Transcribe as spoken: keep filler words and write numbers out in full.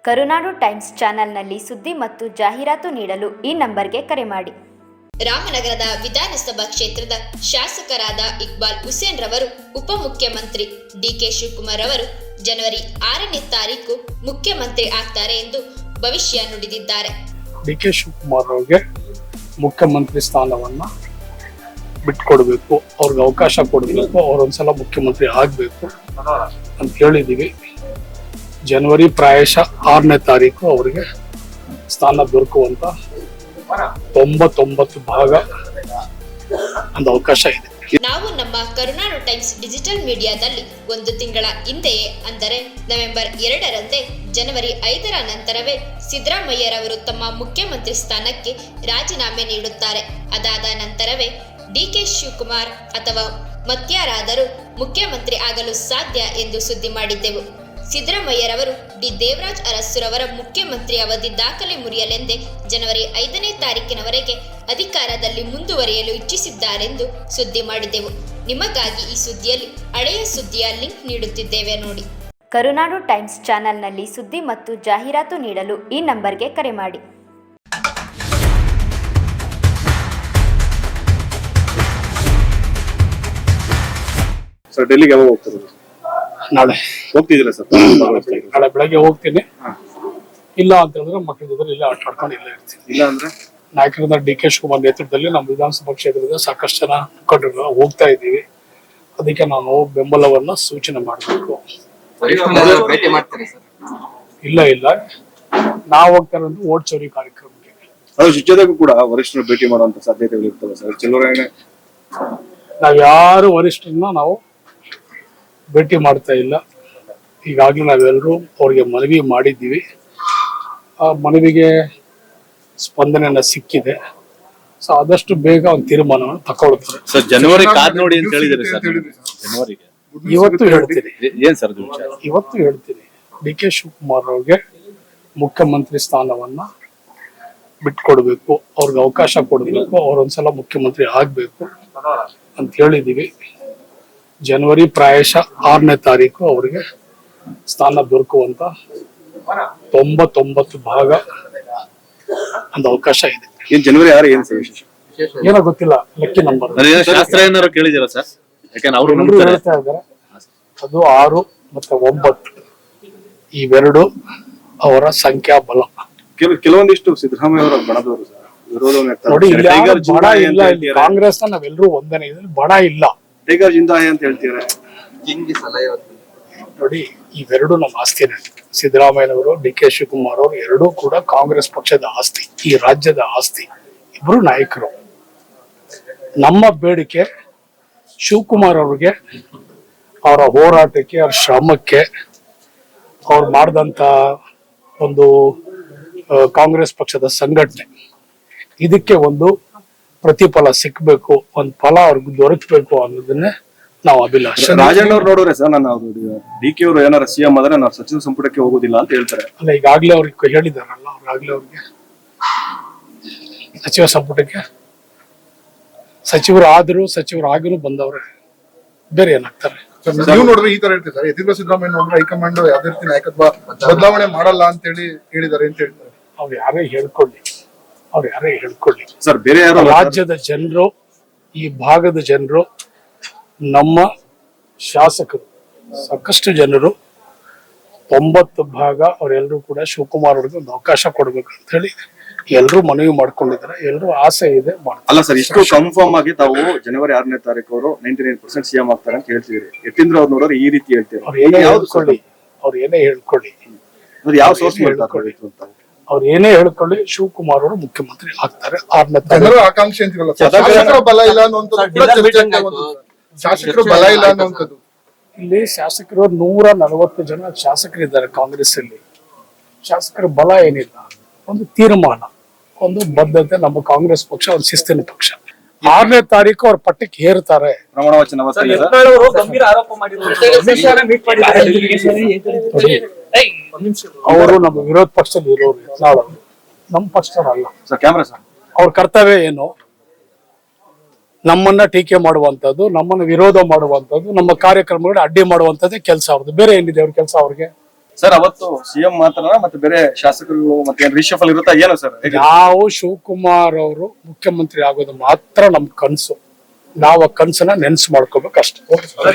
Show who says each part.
Speaker 1: ಕರುನಾಡು times ಚಾನೆಲ್ನಲ್ಲಿ ಸುದ್ದಿ ಮತ್ತು ಜಾಹೀರಾತು ನೀಡಲು ಈ ನಂಬರ್ಗೆ ಕರೆ ಮಾಡಿ.
Speaker 2: ರಾಮನಗರದ ವಿಧಾನಸಭಾ ಕ್ಷೇತ್ರದ ಶಾಸಕರಾದ ಇಕ್ಬಾಲ್ ಹುಸೇನ್ ರವರು ಉಪಮುಖ್ಯಮಂತ್ರಿ ಡಿಕೆ ಶಿವಕುಮಾರ್ ಅವರು ಜನವರಿ ಆರನೇ ತಾರೀಕು ಮುಖ್ಯಮಂತ್ರಿ ಆಗ್ತಾರೆ ಎಂದು ಭವಿಷ್ಯ ನುಡಿದಿದ್ದಾರೆ.
Speaker 3: ಡಿಕೆ ಶಿವಕುಮಾರ್ ಅವರಿಗೆ ಮುಖ್ಯಮಂತ್ರಿ ಸ್ಥಾನವನ್ನ ಬಿಟ್ಕೊಡ್ಬೇಕು, ಅವ್ರಿಗೆ ಅವಕಾಶ ಕೊಡಬೇಕು, ಅವ್ರೊಂದ್ಸಲ ಮುಖ್ಯಮಂತ್ರಿ ಆಗ್ಬೇಕು ಅಂತ ಹೇಳಿದೀವಿ. ಜನವರಿ ಪ್ರಾಯಶಃ ಆರನೇ ತಾರೀಕು ಅವರಿಗೆ ಸ್ಥಾನ ದೊರಕುವಂತ ತೊಂಬತ್ತೊಂಬತ್ತು ಭಾಗ ಒಂದು ಅವಕಾಶ ಇದೆ.
Speaker 2: ನಾವು ನಮ್ಮ ಕರುನಾಡು ಟೈಮ್ಸ್ ಡಿಜಿಟಲ್ ಮೀಡಿಯಾದಲ್ಲಿ ಒಂದು ತಿಂಗಳ ಹಿಂದೆಯೇ ಅಂದರೆ ನವೆಂಬರ್ ಎರಡರಂದೇ ಜನವರಿ ಐದರ ನಂತರವೇ ಸಿದ್ದರಾಮಯ್ಯರವರು ತಮ್ಮ ಮುಖ್ಯಮಂತ್ರಿ ಸ್ಥಾನಕ್ಕೆ ರಾಜೀನಾಮೆ ನೀಡುತ್ತಾರೆ. ಅದಾದ ನಂತರವೇ ಡಿಕೆ ಶಿವಕುಮಾರ್ ಅಥವಾ ಮತ್ಯಾರಾದರೂ ಮುಖ್ಯಮಂತ್ರಿ ಆಗಲು ಸಾಧ್ಯ ಎಂದು ಸುದ್ದಿ ಮಾಡಿದ್ದೆವು. ಸಿದ್ದರಾಮಯ್ಯರವರು ಡಿ ದೇವರಾಜ್ ಅರಸುರವರ ಮುಖ್ಯಮಂತ್ರಿ ಅವಧಿ ದಾಖಲೆ ಮುರಿಯಲೆಂದೇ ಜನವರಿ ಐದನೇ ತಾರೀಕಿನವರೆಗೆ ಅಧಿಕಾರದಲ್ಲಿ ಮುಂದುವರಿಯಲು ಇಚ್ಛಿಸಿದ್ದಾರೆಂದು ಸುದ್ದಿ ಮಾಡಿದೆವು. ನಿಮಗಾಗಿ ಈ ಸುದ್ದಿಯಲ್ಲಿ ಹಳೆಯ ಸುದ್ದಿಯ ಲಿಂಕ್ ನೀಡುತ್ತಿದ್ದೇವೆ ನೋಡಿ.
Speaker 1: ಕರುನಾಡು ಟೈಮ್ಸ್ ಚಾನೆಲ್ನಲ್ಲಿ ಸುದ್ದಿ ಮತ್ತು ಜಾಹೀರಾತು ನೀಡಲು ಈ ನಂಬರ್ಗೆ ಕರೆ ಮಾಡಿ.
Speaker 4: ಸರ್ ಡೆಲ್ಲಿಗೆ ಯಾವಾಗ ಹೋಗ್ತಾರೆ?
Speaker 3: ನಾಳೆ
Speaker 4: ಹೋಗ್ತಿದ್ದೀರಾ ಸರ್?
Speaker 3: ನಾಳೆ ಬೆಳಗ್ಗೆ ಹೋಗ್ತೀನಿ. ಇಲ್ಲ ಅಂತ ಹೇಳಿದ್ರೆ ಮಕ್ಕಳ ಜೊತೆ ಇಲ್ಲೇ ಆಟ ಆಡ್ಕೊಂಡು ಇಲ್ಲೇ ಇರ್ತೀನಿ.
Speaker 4: ಇಲ್ಲ ಅಂದ್ರೆ
Speaker 3: ನಾಯಕರಿಂದ ಡಿ ಕೆ ಶಿವಕುಮಾರ್ ನೇತೃತ್ವದಲ್ಲಿ ನಮ್ಮ ವಿಧಾನಸಭಾ ಕ್ಷೇತ್ರದ ಸಾಕಷ್ಟು ಜನ ಮುಖಂಡರು ಹೋಗ್ತಾ ಇದ್ದೀವಿ. ಅದಕ್ಕೆ ನಾನು ಬೆಂಬಲವನ್ನ ಸೂಚನೆ ಮಾಡಬೇಕು. ಇಲ್ಲ ಇಲ್ಲ ನಾವು ಹೋಗ್ತಾ ಇರೋದು ಓಟ್ ಚೋರಿ ಕಾರ್ಯಕ್ರಮಕ್ಕೆ.
Speaker 4: ಅದ್ರ ಜೊತೆಗೂ ಕೂಡ ವರಿಷ್ಠರು ಭೇಟಿ ಮಾಡುವಂತ ಸಾಧ್ಯತೆಗಳು ಇರ್ತವೆ ಸರ್. ಚಲುವರಾಯಣೆ
Speaker 3: ನಾವ್ ಯಾರು ವರಿಷ್ಠರನ್ನ ನಾವು ಭೇಟಿ ಮಾಡ್ತಾ ಇಲ್ಲ. ಈಗಾಗಲೇ ನಾವೆಲ್ಲರೂ ಅವ್ರಿಗೆ ಮನವಿ ಮಾಡಿದ್ದೀವಿ. ಆ ಮನವಿಗೆ ಸ್ಪಂದನೆಯನ್ನ ಸಿಕ್ಕಿದೆ. ಸೊ ಆದಷ್ಟು ಬೇಗ ಒಂದು ತೀರ್ಮಾನವನ್ನು ತಗೊಳ್ತಾರೆ.
Speaker 5: ಸರ್ ಜನವರಿ ಕಾದ್ ನೋಡಿ ಅಂತ ಹೇಳಿದ್ರೆ ಸರ್ ಜನವರಿಗೆ
Speaker 3: ಇವತ್ತು ಹೇಳ್ತೀನಿ
Speaker 5: ಏನ್ ಸರ್
Speaker 3: ಇವತ್ತು ಹೇಳ್ತೀನಿ ಡಿ ಕೆ ಶಿವಕುಮಾರ್ ಅವ್ರಿಗೆ ಮುಖ್ಯಮಂತ್ರಿ ಸ್ಥಾನವನ್ನ ಬಿಟ್ಕೊಡ್ಬೇಕು, ಅವ್ರಿಗೆ ಅವಕಾಶ ಕೊಡಬೇಕು, ಅವ್ರೊಂದ್ಸಲ ಮುಖ್ಯಮಂತ್ರಿ ಆಗ್ಬೇಕು ಅಂತ ಹೇಳಿದೀವಿ. ಜನವರಿ ಪ್ರಾಯಶಃ ಆರನೇ ತಾರೀಕು ಅವರಿಗೆ ಸ್ಥಾನ ದೊರಕುವಂತ ತೊಂಬತ್ತೊಂಬತ್ತು ಭಾಗ ಒಂದು ಅವಕಾಶ ಇದೆ.
Speaker 4: ಏನ್ ಜನವರಿ ಆರು ಏನ್ ಸರ್ ವಿಶೇಷ?
Speaker 3: ಏನೋ ಗೊತ್ತಿಲ್ಲ, ಲೆಕ್ಕಿ ನಂಬರ್
Speaker 5: ಶಾಸ್ತ್ರ ಏನಾರು ಕೇಳಿದಿರಾ ಸರ್? ಯಾಕಂದ್ರೆ ಅವ್ರು
Speaker 3: ಹೇಳ್ತಾ ಇದ್ದಾರೆ ಅದು ಆರು ಮತ್ತೆ ಒಂಬತ್ತು ಇವೆರಡು ಅವರ ಸಂಖ್ಯಾ ಬಲ.
Speaker 4: ಕೆಲ ಕೆಲವೊಂದಿಷ್ಟು ಸಿದ್ದರಾಮಯ್ಯ ಅವರ ಬಣದವರು ಸರ್ ವಿರೋಧವನ್ನು
Speaker 3: ನೋಡಿ, ಇಲ್ಲಿ ಬಡ ಇಲ್ಲ, ಇಲ್ಲಿ ಕಾಂಗ್ರೆಸ್ ನಾವೆಲ್ಲರೂ ಒಂದನೇ ಇದ್ರಲ್ಲಿ ಬಡ ಇಲ್ಲ.
Speaker 4: ಟೈಗರ್ ಜಿಂದಾಯ್ ಅಂತ ಹೇಳ್ತೀರಾ?
Speaker 3: ನೋಡಿ, ಇವೆರಡು ನಮ್ಮ ಆಸ್ತಿನೇ. ಸಿದ್ದರಾಮಯ್ಯನವರು, ಡಿ ಕೆ ಶಿವಕುಮಾರ್ ಅವರು ಎರಡೂ ಕೂಡ ಕಾಂಗ್ರೆಸ್ ಪಕ್ಷದ ಆಸ್ತಿ, ಈ ರಾಜ್ಯದ ಆಸ್ತಿ. ಇಬ್ರು ನಾಯಕರು. ನಮ್ಮ ಬೇಡಿಕೆ ಶಿವಕುಮಾರ್ ಅವ್ರಿಗೆ ಅವರ ಹೋರಾಟಕ್ಕೆ, ಅವ್ರ ಶ್ರಮಕ್ಕೆ, ಅವ್ರು ಮಾಡಿದಂತ ಒಂದು ಕಾಂಗ್ರೆಸ್ ಪಕ್ಷದ ಸಂಘಟನೆ, ಇದಕ್ಕೆ ಒಂದು ಪ್ರತಿಫಲ ಸಿಕ್ಬೇಕು, ಒಂದು ಫಲ ಅವ್ರಿಗೆ ದೊರಕಬೇಕು ಅನ್ನೋದನ್ನೇ ನಾವು ಅಭಿಲಾಷೆ.
Speaker 4: ರಾಜಣ್ಣ ಅವ್ರು ನೋಡ್ರೆ ಸರ್, ನಾನು ಡಿ ಕೆ ಅವರು ಏನಾರ ಸಿಎಂ ಆದ್ರೆ ನಾವು ಸಚಿವ ಸಂಪುಟಕ್ಕೆ ಹೋಗೋದಿಲ್ಲ ಅಂತ ಹೇಳ್ತಾರೆ.
Speaker 3: ಅಲ್ಲ, ಈಗಾಗ್ಲೇ ಅವ್ರಿಗೆ ಹೇಳಿದಾರಲ್ಲ, ಅವ್ರಾಗ್ಲೇ ಅವ್ರಿಗೆ ಸಚಿವ ಸಂಪುಟಕ್ಕೆ ಸಚಿವರು ಆದ್ರು ಸಚಿವರು ಆಗಿನೂ ಬಂದವ್ರೆ, ಬೇರೆ ಏನಾಗ್ತಾರೆ?
Speaker 6: ನೀವು ನೋಡಿದ್ರೆ ಈ ತರ ಹೇಳ್ತೀವಿ ಸರ್, ಯತೀಂದ್ರ ಸಿದ್ದರಾಮಯ್ಯ ನೋಡಿದ್ರೆ ಹೈಕಮಾಂಡ್ ಯಾವ್ದೇ ರೀತಿ ನಾಯಕತ್ವ ಬದಲಾವಣೆ ಮಾಡಲ್ಲ ಅಂತ ಹೇಳಿ ಹೇಳಿದಾರೆ ಅಂತ ಹೇಳ್ತಾರೆ.
Speaker 3: ಅವ್ರು ಯಾರೇ ಹೇಳ್ಕೊಳ್ಳಿ, ಅವ್ರು ಯಾರೇ ಹೇಳ್ಕೊಳ್ಳಿ
Speaker 4: ಸರ್, ಬೇರೆ ಯಾರು
Speaker 3: ರಾಜ್ಯದ ಜನರು, ಈ ಭಾಗದ ಜನರು, ನಮ್ಮ ಶಾಸಕರು, ಸಾಕಷ್ಟು ಜನರು ತೊಂಬತ್ತು ಭಾಗ ಅವರೆಲ್ಲರೂ ಕೂಡ ಶಿವಕುಮಾರ್ ಅವ್ರಿಗೆ ಒಂದು ಅವಕಾಶ ಕೊಡ್ಬೇಕು ಅಂತ ಹೇಳಿ ಎಲ್ರು ಮನವಿ ಮಾಡ್ಕೊಂಡಿದ್ದಾರೆ. ಎಲ್ರು ಆಸೆ ಇದೆ.
Speaker 4: ಅಲ್ಲ ಸರ್, ಇಷ್ಟು ಕನ್ಫರ್ಮ್ ಆಗಿ ತಾವು ಜನವರಿ ಆರನೇ ತಾರೀಕು ಅವರು ನೈಂಟಿ ನೈನ್ ಪರ್ಸೆಂಟ್ ಸಿಎಂ ಆಗ್ತಾರೆ ಅಂತ ಹೇಳ್ತಿದ್ರಿ. ಯತೀಂದ್ರ ಅವ್ರು ನೋಡೋರು ಈ ರೀತಿ ಹೇಳ್ತೀವಿ.
Speaker 3: ಅವ್ರು ಏನೇ ಹೇಳ್ಕೊಳ್ಳಿ, ಅವ್ರು ಏನೇ ಹೇಳ್ಕೊಳ್ಳಿ,
Speaker 4: ಯಾವ ಸೋರ್ಸ್ ಹೇಳ್ಕೊಳ್ಳಿ,
Speaker 3: ಅವ್ರು ಏನೇ ಹೇಳ್ಕೊಳ್ಳಿ, ಶಿವಕುಮಾರ್ ಅವರು ಮುಖ್ಯಮಂತ್ರಿ ಆಗ್ತಾರೆ ಆರನೇ
Speaker 6: ಜನರ
Speaker 3: ತಾರೀಕು.
Speaker 6: ಆಕಾಂಕ್ಷೆ ಅಂತೀವಲ್ಲ, ಶಾಸಕರ ಬಲ ಇಲ್ಲ ಅನ್ನುವಂಥದ್ದು, ಶಾಸಕರು ಬಲ ಇಲ್ಲ ಅನ್ನುವಂಥದ್ದು.
Speaker 3: ಇಲ್ಲಿ ಶಾಸಕರು ನೂರ ನಲವತ್ತು ಜನ ಶಾಸಕರಿದ್ದಾರೆ ಕಾಂಗ್ರೆಸ್ ಅಲ್ಲಿ. ಶಾಸಕರ ಬಲ ಏನಿಲ್ಲ, ಒಂದು ತೀರ್ಮಾನ, ಒಂದು ಬದ್ಧತೆ. ನಮ್ಮ ಕಾಂಗ್ರೆಸ್ ಪಕ್ಷ ಒಂದು ಶಿಸ್ತಿನ ಪಕ್ಷ. ಆರನೇ ತಾರೀಕು ಅವ್ರ ಪಟ್ಟಕ್ಕೆ ಹೇರ್ತಾರೆ.
Speaker 4: ಪ್ರಮಾಣ ವಚನ
Speaker 3: ಅವರು ನಮ್ಮ ವಿರೋಧ ಪಕ್ಷದಲ್ಲಿ ಇರೋರು, ಯತ್ನಾಳ್ ನಮ್ಮ ಪಕ್ಷದಲ್ಲ.
Speaker 4: ಕ್ಯಾಮ್ರಾ ಸರ್,
Speaker 3: ಅವ್ರ ಕರ್ತವ್ಯ ಏನು? ನಮ್ಮನ್ನ ಟೀಕೆ ಮಾಡುವಂತದ್ದು, ನಮ್ಮನ್ನ ವಿರೋಧ ಮಾಡುವಂತದ್ದು, ನಮ್ಮ ಕಾರ್ಯಕ್ರಮಗಳಿಗೆ ಅಡ್ಡಿ ಮಾಡುವಂತದ್ದೇ ಕೆಲಸ ಅವ್ರದ್ದು. ಬೇರೆ ಏನಿದೆ ಅವ್ರ ಕೆಲಸ? ಅವ್ರಿಗೆ
Speaker 4: ಸರ್ ಅವತ್ತು ಸಿಎಂ ಮಾತ್ರ ಮತ್ತೆ ಬೇರೆ ಶಾಸಕರು ಮತ್ತೆ ರಿಷಫಲ್ ಇರುತ್ತಾ ಏನು ಸರ್?
Speaker 3: ನಾವು ಶಿವಕುಮಾರ್ ಅವರು ಮುಖ್ಯಮಂತ್ರಿ ಆಗೋದು ಮಾತ್ರ ನಮ್ ಕನ್ಸು. ನಾವು ಆ ಕನ್ಸನ್ನ ನೆನ್ಸು ಮಾಡ್ಕೋಬೇಕಷ್ಟೇ.